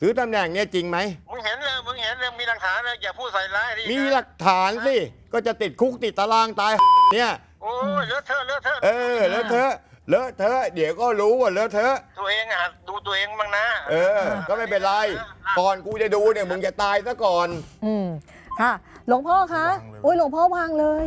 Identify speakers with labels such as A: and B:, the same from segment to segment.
A: ซื้อตำแหน่งเนี่ยจริงไหม
B: มึงเห็นเลยมีหลักฐานเลยอย่าพูดใส่ร้ายดิ
A: มีหลักฐานสิก็จะติดคุกติดตารางตายเนี่ย
B: โอ้ยเลอะเทอะเลอะเทอะ
A: เลอะเทอะเลอะเทอะเดี๋ยวก็รู้ว่าเลอะเทอะ
B: ตัวเองอ่ะดูตัวเองบ้างนะ
A: ก็ไม่เป็นไรก่อนกูจะดูเนี่ยมึงจะตายซะก่อน
C: ค่ะหลวงพ่อคะโอ้ยหลวงพ่อวางเลย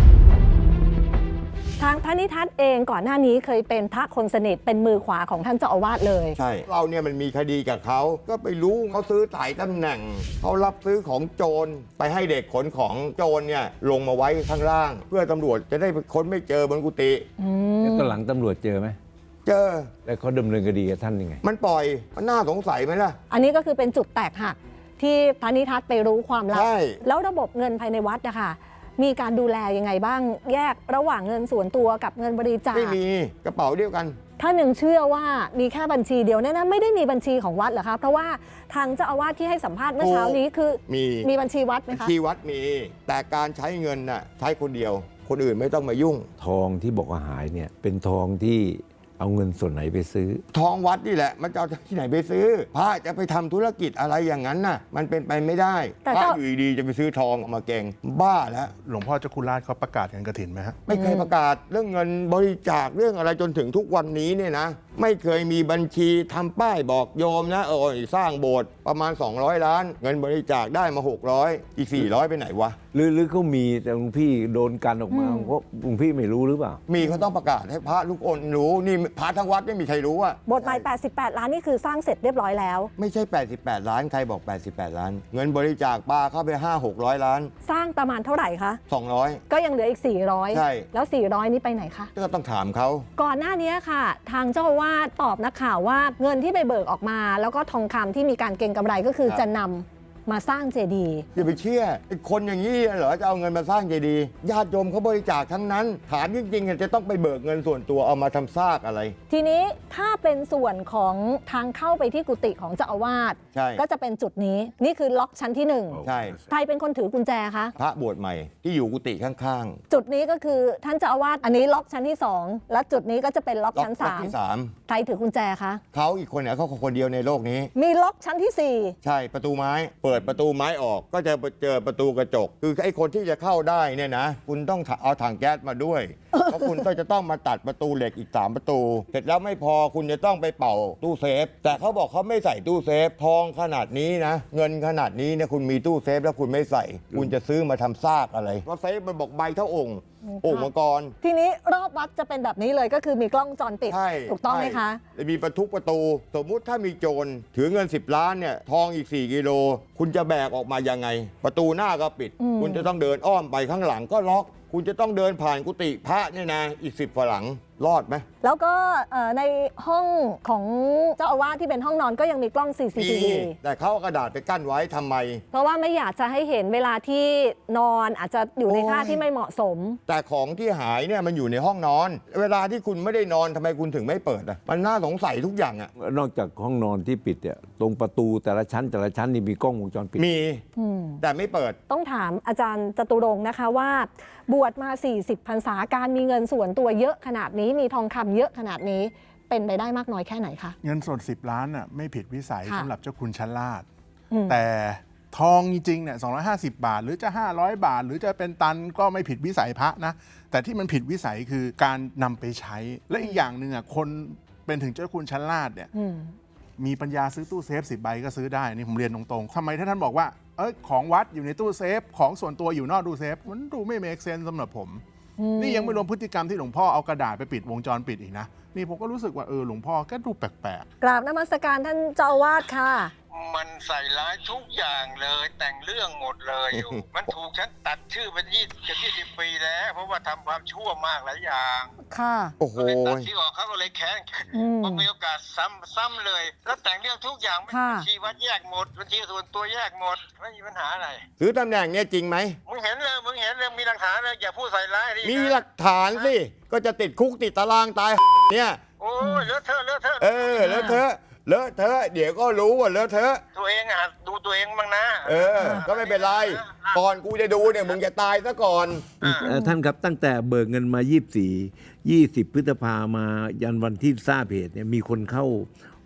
C: ทางพระนิทัศน์เองก่อนหน้านี้เคยเป็นพระคนสนิทเป็นมือขวาของท่านเจ้าอาวาสเลย
A: ใช่เราเนี่ยมันมีคดีกับเขาก็ไปรู้เขาซื้อถ่ายตำแหน่งเขารับซื้อของโจรไปให้เด็กขนของโจรเนี่ยลงมาไว้ข้างล่างเพื่อตำรวจจะได้ค้นไม่เจอบนกุฏิ
D: แล้วตอนหลังตำรวจเจอไหม
A: เจอ
D: แล้วเขาดำเนินคดีกับท่านยังไง
A: มันปล่อยมันน่าสงสัยไหมล่ะ
C: อันนี้ก็คือเป็นจุดแตกหักที่พระนิทัศน์ไปรู้ความลับแล้วระบบเงินภายในวัดนะคะมีการดูแลยังไงบ้างแยกระหว่างเงินส่วนตัวกับเงินบริจาค
A: ไม่มีกระเป๋าเดียวกัน
C: ถ้าหนึ่งเชื่อว่ามีแค่บัญชีเดียวเนี่ยนะไม่ได้มีบัญชีของวัดเหรอคะเพราะว่าทางเจ้าอาวาสที่ให้สัมภาษณ์เมื่อเช้านี้คือมีบัญชีวัดไหมคะ
A: บัญชีวัดมีแต่การใช้เงินน่ะใช้คนเดียวคนอื่นไม่ต้องมายุ่ง
D: ทองที่บอกว่าหายเนี่ยเป็นทองที่เอาเงินส่วนไหนไปซื้อ
A: ทองวัดนี่แหละมันจะเอาที่ไหนไปซื้อพระจะไปทำธุรกิจอะไรอย่างนั้นน่ะมันเป็นไปไม่ได้พระอยู่ดีจะไปซื้อทองออกมาเก่งบ้าแล้ว
E: หลวงพ่อเจ้าคุณราชเขาประกาศเงินกฐินไหมฮะ
A: ไม่เคยประกาศเรื่องเงินบริจาคเรื่องอะไรจนถึงทุกวันนี้เนี่ยนะไม่เคยมีบัญชีทำป้ายบอกโยมนะสร้างโบสถ์ประมาณ200 ล้านเงินบริจาคได้มา600อีก400ไปไหนวะ
D: หรือเขามีแต่หลวงพี่โดนกันออกมาเพราะหลวงพี่ไม่รู้หรือเปล่า
A: มีเขาต้องประกาศให้พระทุกคนรู้นี่พระทั้งวัดไม่มีใครรู้อะ
C: บทใหม่88 ล้านนี่คือสร้างเสร็จเรียบร้อยแล้ว
A: ไม่ใช่88 ล้านใครบอก88 ล้านเงินบริจาคปาเข้าไป500-600 ล้าน
C: สร้างประมาณเท่าไหร่คะ
A: 200
C: ก็ยังเหลืออีก400
A: ใช่
C: แล้ว400นี้ไปไหนคะ
A: ก็ต้องถามเขา
C: ก่อนหน้านี้ค่ะทางเจ้าอาวาสตอบนักข่าวว่าเงินที่ไปเบิกออกมาแล้วก็ทองคำที่มีการเก็งกำไรก็คือจะนำมาสร้างเจดีย์
A: อย่าไปเชื่อคนอย่างนี้เหรอจะเอาเงินมาสร้างเจดีย์ญาติโยมเขาบริจาคทั้งนั้นถามจริงๆจะต้องไปเบิกเงินส่วนตัวเอามาทำซากอะไร
C: ทีนี้ถ้าเป็นส่วนของทางเข้าไปที่กุฏิของเจ้าอาวาสก็จะเป็นจุดนี้นี่คือล็อกชั้นที่1
A: ใช่
C: ใครเป็นคนถือกุญแจคะ
A: พระบวชใหม่ที่อยู่กุฏิข้าง
C: ๆจุดนี้ก็คือท่านเจ้าอาวาสอันนี้ล็อกชั้นที่2และจุดนี้ก็จะเป็นล็อกชั้น3ใครถือกุญแจคะ
A: เขาอีกคนเนี่ยเขาคนเดียวในโลกนี้
C: มีล็อกชั้นที่4
A: ใช่ประตูไม้เปิดประตูไม้ออกก็จะเจอประตูกระจกคือไอ้คนที่จะเข้าได้เนี่ยนะคุณต้องเอาถังแก๊สมาด้วยเพราะคุณจะต้องมาตัดประตูเหล็กอีก3ประตูเสร็จแล้วไม่พอคุณจะต้องไปเป่าตู้เซฟแต่เขาบอกเขาไม่ใส่ตู้เซฟทองขนาดนี้นะเงินขนาดนี้เนี่ยคุณมีตู้เซฟแล้วคุณไม่ใส่คุณจะซื้อมาทำซากอะไรเพราะเซฟมันบอกใบเท่าองค์มังกร
C: ทีนี้รอบวัดจะเป็นแบบนี้เลยก็คือมีกล้องจรปิดถูกต้องไหมคะ
A: มีประตูสมมุติถ้ามีโจรถือเงิน10 ล้านเนี่ยทองอีก4 กิโลคุณจะแบกออกมายังไงประตูหน้าก็ปิดคุณจะต้องเดินอ้อมไปข้างหลังก็ล็อกคุณจะต้องเดินผ่านกุฏิพระเนี่ยนะอีก10 ฝรั่งรอดไหม
C: แล้วก็ในห้องของเจ้าอาวาสที่เป็นห้องนอนก็ยังมีกล้อง CCTV
A: แต่เขาเอากระดาษไปกั้นไว้ทำไม
C: เพราะว่าไม่อยากจะให้เห็นเวลาที่นอนอาจจะอยู่ในท่าที่ไม่เหมาะสม
A: แต่ของที่หายเนี่ยมันอยู่ในห้องนอนเวลาที่คุณไม่ได้นอนทำไมคุณถึงไม่เปิดอ่ะมันน่าสงสัยทุกอย่างอ่ะ
D: นอกจากห้องนอนที่ปิดเนี่ยตรงประตูแต่ละชั้นนี่มีกล้องวงจรปิด
A: มีแต่ไม่เปิด
C: ต้องถามอาจารย์จตุรงค์นะคะว่าบวชมา40 พรรษาการมีเงินส่วนตัวเยอะขนาดนี้มีทองคำเยอะขนาดนี้เป็นไปได้มากน้อยแค่ไหนคะ
E: เงินสด10 ล้านน่ะไม่ผิดวิสัยสำหรับเจ้าคุณชั้นลาดแต่ทองจริงๆเนี่ย250 บาทหรือจะ500 บาทหรือจะเป็นตันก็ไม่ผิดวิสัยพระนะแต่ที่มันผิดวิสัยคือการนำไปใช้และอีกอย่างหนึ่งอ่ะคนเป็นถึงเจ้าคุณชั้นลาดเนี่ยมีปัญญาซื้อตู้เซฟ10 ใบก็ซื้อได้นี่ผมเรียนตรงๆทำไมถ้าท่านบอกว่าของวัดอยู่ในตู้เซฟของส่วนตัวอยู่นอกตู้เซฟมันดูไม่เมคเซนส์สำหรับผมนี่ยังไม่รวมพฤติกรรมที่หลวงพ่อเอากระดาษไปปิดวงจรปิดอีกนะนี่ผมก็รู้สึกว่าหลวงพ่อก็ดูแปลก
C: ๆกราบนมัสการท่านเจ้าอาวาสค่ะ
B: มันใส่ร้ายทุกอย่างเลยแต่งเรื่องหมดเลยอยู่ มันถูกฉันตัดชื่อไป20 ปีแล้วเพราะว่าทำความชั่วมากหลายอย่าง
C: ค่ะ
A: โอ้โห
B: ตัดที่ออกเขาก็เลยแค้นพอมีโอกาสซ้ำเลยแล้วแต่งเรื่องทุกอย่างบัญชีวัดแยกหมดบัญชีส่วนตัวแยกหมดไม่มีปัญหาอะไร
A: ซื้อตำแหน่งเนี่ยจริงไหม
B: มึงเห็นเลยมีหลักฐานเลยอย่าพูดใส่ร้ายดิ
A: มีหลักฐานสิก็จะติดคุกติดตารางตายเนี่ย
B: โอ้ยเลอะเทอะ
A: เลอะเทอะเลอะเทอะเดี๋ยวก็รู้ว่าเลอะเทอะ
B: ตัวเองอ่ะดูตัวเองบ้างนะ
A: ก็ไม่เป็นไรก่อนกูจะดูเนี่ยมึงจะตายซะก่อน
D: ท่านครับตั้งแต่เบิกเงินมา20 พฤษภามายันวันที่ทราบเหตุเนี่ยมีคนเข้า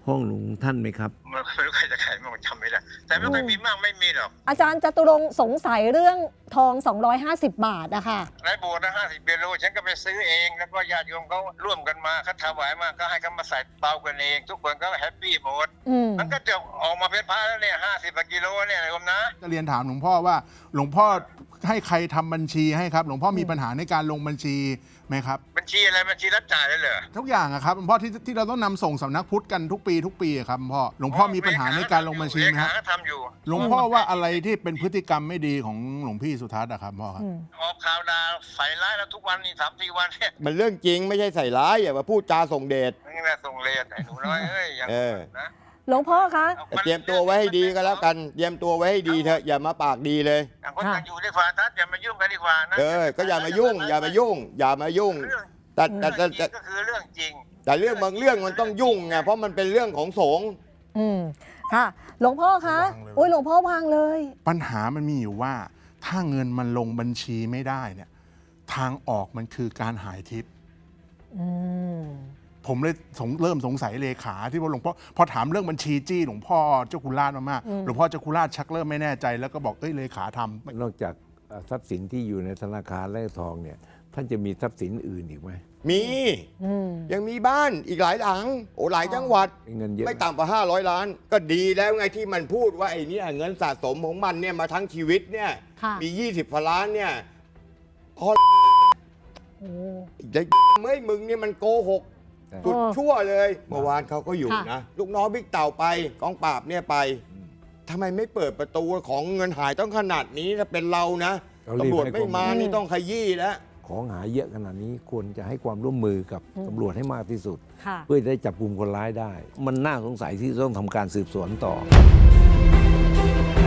D: ห้องหลวงท่านไหมครับ
B: มันไม่รู้ใครจะขายมันจำไม่ได้แต่ไม่เคยมีมากไม่มีหรอก
C: อาจารย์จตุรงค์สงสัยเรื่องทอง 250 บาทอะค่ะ
B: ในโบสถ์นะ50 กิโลฉันก็ไปซื้อเองแล้วก็ญาติโยมเขาร่วมกันมาเขาถวายมาก็ให้เขามาใส่เตากันเอง ทุกคนก็แฮปปี้หมด มันก็จะออกมาเป็นพระแล้วเนี่ย50 กิโลเนี่ยโยมนะ
E: จะเรียนถามหลวงพ่อว่าหลวงพ่อให้ใครทำบัญชีให้ครับ หลวงพ่อมีปัญหาในการลงบัญชีไหมครับ
B: บัญชีอะไรบัญชีรับจ่ายเลยเหรอ
E: ทุกอย่างอะครับหลวงพ่อที่เราต้องนำส่งสำนักพุทธกันทุกปีอะครับหลวงพ่อมีปัญหาในการลงบัญชีไหมครับ
B: เลขาทำอยู่
E: หลวงพ่อว่าอะไรที่เป็นพฤติกรรมไม่ดีของหลวงพี่สุทัศน์อะครับพ่อครับ
B: ออกข่าวดาใส่ร้ายแล้วทุกวันนี่3-4 วันเนี่ย
A: มันเรื่องจริงไม่ใช่ใส่ร้ายอย่ามาพูดจาส่งเดช
B: นี่แหละส่งเลนไอ้หนูน้อยเอ้ยอย่างนั้นนะ
C: หลวงพ่อคะ
A: แต่เตรียมตัวไว้ให้ดีก็แล้วกันเตรียมตัวไว้ให้ดีเถอะอย่ามาปากดีเลย
B: ต่างคนต่างอยู่ดีกว่าทัดอย่ามายุ่งกันดีกว่านะ
A: ก็อย่ามายุ่ง อย่ามายุ่ง อย่ามายุ่ง
B: เรื่อง
A: แต่
B: เรื่องจริง
A: แต่
B: ก็คือเรื่องจริง
A: แต่เรื่องบางเรื่องมันต้องยุ่งไงเพราะมันเป็นเรื่องของสงฆ์
C: ค่ะ หลวงพ่อคะ
E: วางเลย
C: โอ้ยหลวงพ่อวางเลย
E: ปัญหามันมีอยู่ว่าถ้าเงินมันลงบัญชีไม่ได้เนี่ยทางออกมันคือการหายทิพย์
C: อืม
E: ผมเลยเริ่มสงสัยเลขาที่ว่าหลวงพ่อพอถามเรื่องบัญชีจี้หลวงพ่อเจ้าคุณราชมากๆหลวงพ่อเจ้าคุณราชชักเริ่มไม่แน่ใจแล้วก็บอกเลขาทำ
D: นอกจากทรัพย์สินที่อยู่ในธนาคารและทองเนี่ยท่านจะมีทรัพย์สินอื่นอีกไหม
A: มียังมีบ้านอีกหลายหลังโอ้หลายจังหวัด
D: เงินเยอะ
A: ไม่ต่ำกว่า500 ล้าน ก็ดีแล้วไงที่มันพูดว่าไอ้เนี่ยเงินสะสมของมันเนี่ยมาทั้งชีวิตเนี่ย
C: ค่ะ
A: มี20กว่าล้านเนี่ยพอ
C: โอ้
A: ไอ้เมื่อมึงเนี่ยมันโกหกสุดชั่วเลย เมื่อวานเขาก็อยู่
C: ค่ะ
A: นะ ลูกน้องบิ๊กเต่าไปกองปราบเนี่ยไปทำไมไม่เปิดประตูของเงินหายต้องขนาดนี้ถ้าเป็นเรานะตำรวจไม่มานี่ต้องขยี้แล้ว
D: ของหายเยอะขนาดนี้ควรจะให้ความร่วมมือกับตำรวจให้มากที่สุด
C: ค่ะ
D: เพื่อจะได้จับกลุ่มคนร้ายได้ มันน่าสงสัยที่ต้องทำการสืบสวนต่อ